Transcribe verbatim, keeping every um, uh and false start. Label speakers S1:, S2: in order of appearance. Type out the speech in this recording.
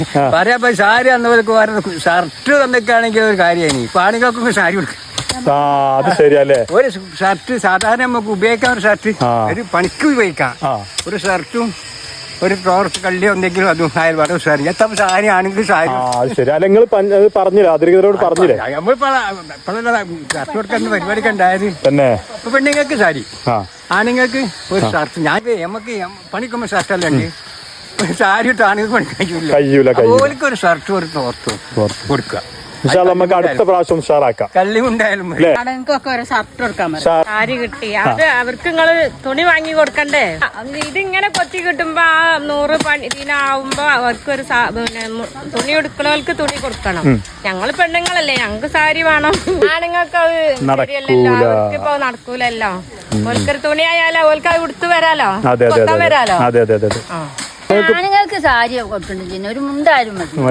S1: പറയാ സാരി അന്നവർക്ക് വേറെ ഷർട്ട് തന്നൊക്കെയാണെങ്കിൽ ഒരു കാര്യമായി ഇപ്പൊ ആണുങ്ങൾക്കൊക്കെ സാരി കൊടുക്കും.
S2: അത് ശരിയല്ലേ.
S1: ഒരു ഷർട്ട് സാധാരണ നമുക്ക് ഉപയോഗിക്കാൻ ഒരു ഷർട്ട് ഒരു പണിക്ക് ഉപയോഗിക്കാം. ഒരു ഷർട്ടും ഒരു ടോർച്ച് കള്ളിയോ എന്തെങ്കിലും അതും അയൽപാട് സാരി എത്ര സാരി ആണെങ്കിൽ സാരി.
S2: ശരി അല്ല നിങ്ങൾ പറഞ്ഞില്ല അധികൃതരോട് പറഞ്ഞില്ലേ
S1: ഷർട്ട് കൊടുക്കാൻ പരിപാടിക്ക് ഉണ്ടായത്
S2: തന്നെ.
S1: ഇപ്പൊ പെണ്ണുങ്ങൾക്ക് സാരി ആണുങ്ങൾക്ക് ഒരു ഷർട്ട്. ഞാൻ നമുക്ക് പണിക്കുമ്പോ ഷർട്ടല്ല ഉണ്ട് ഒരു സാരി ഇട്ട് ആണുങ്ങൾക്ക് പണിക്കാൻ കഴിയൂല. ഓർക്ക് ഒരു ഷർട്ട് ഒരു ടോർച്ചും കൊടുക്കുക.
S2: നമുക്ക് അടുത്ത പ്രാവശ്യം ഉഷാറാക്കാം.
S1: കള്ളിമുണ്ടായാലും
S3: ആണുങ്ങൾക്കൊക്കെ ഒരു ഷർട്ട് കൊടുക്കാൻ പറ്റും. സാരി കിട്ടി അത് അവർക്ക് നിങ്ങള് തുണി വാങ്ങി കൊടുക്കണ്ടേ. ഇതിങ്ങനെ കൊത്തി കിട്ടുമ്പോ ആ നൂറ് പണി ഇതിനാവുമ്പോ അവർക്കൊരു പിന്നെ തുണി എടുക്കണവർക്ക് തുണി കൊടുക്കണം. ഞങ്ങള് പെണ്ണുങ്ങളല്ലേ ഞങ്ങക്ക് സാരി വേണം. ആണുങ്ങൾക്ക് അത് ശരിയല്ലല്ലോ, അവർക്ക് ഇപ്പൊ നടക്കൂലല്ലോ. ഓൽക്കൊരു തുണി ആയാലോ ഓൽക്ക് അത് ഉടുത്തു വരാലോ കൊത്താൻ വരാലോ.
S2: ആണുങ്ങൾക്ക്
S3: സാരി കൊടുക്കണ്ട ഒരു മുണ്ടായാലും മതി.